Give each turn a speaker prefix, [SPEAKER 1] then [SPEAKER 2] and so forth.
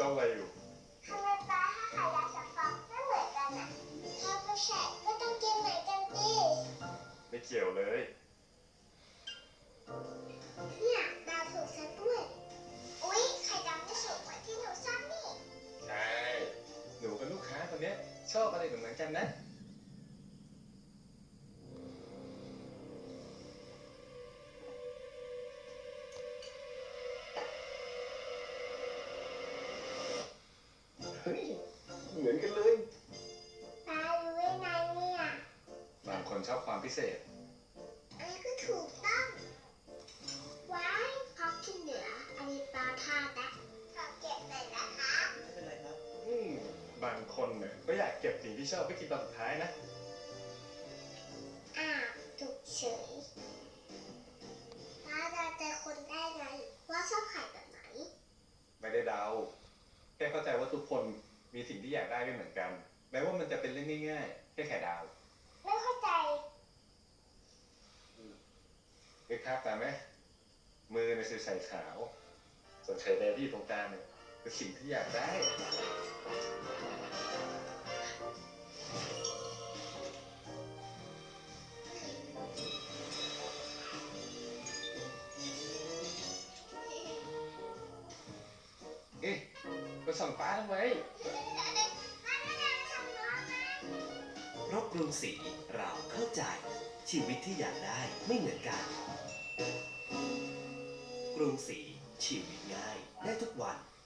[SPEAKER 1] จ้าอะไรอยู่
[SPEAKER 2] ทำไมปลาถ้าไข่ดาวกับฟองไม่เหมือนกันอ่ะถ้าไม่ใช่ก็ต้องกินเหมือนกันดิ
[SPEAKER 1] ไม่เกี่ยวเลย
[SPEAKER 2] เนี่ยดาวถูกซะด้วยอุ๊ยไข่ดาวไม่สุกเหมือนที่หนูชอบนี่
[SPEAKER 1] ใช่หนูกับลูกค้าคนนี้ชอบอะไรเหมือนกันนะเฮ้ยเหมือนกันเลย
[SPEAKER 2] ปลารู้ได้ไงเนี่ย
[SPEAKER 1] บางคนชอบความพิเศษ
[SPEAKER 2] อันนี้ก็ถูกต้องว้ายพอกินเหลืออันนี้ปลาทานะขอเก็บหน่อยนะคะ
[SPEAKER 3] ไม่เป็นไรครับ
[SPEAKER 1] บางคนเนี่ยก็อยากเก็บสิ่งที่ชอบไว้กินตอนสุดท้ายนะ
[SPEAKER 2] ถูกเฉยปลาจะเจอคนได้ไงว่าชอบไข่แบบไหน
[SPEAKER 1] ไม่ได้เดาแค่เข้าใจว่าทุกคนมีสิ่งที่อยากได้ไม่เหมือนกันแม้ว่ามันจะเป็นเรื่องง่ายๆแค่ไข่ดาว
[SPEAKER 2] ไม่เข้าใจ
[SPEAKER 1] นึกภาพตามไหมมือในสีใสขาวส่วนไข่แดงที่อยู่ตรงกลางเนี่ยคือสิ่งที่อยากได้ไปส่องฟ้าทำไม
[SPEAKER 3] เพราะกรุงศรีเราเข้าใจชีวิตที่อยากได้ไม่เหมือนกัน กรุงศรีชีวิตง่ายได้ทุกวัน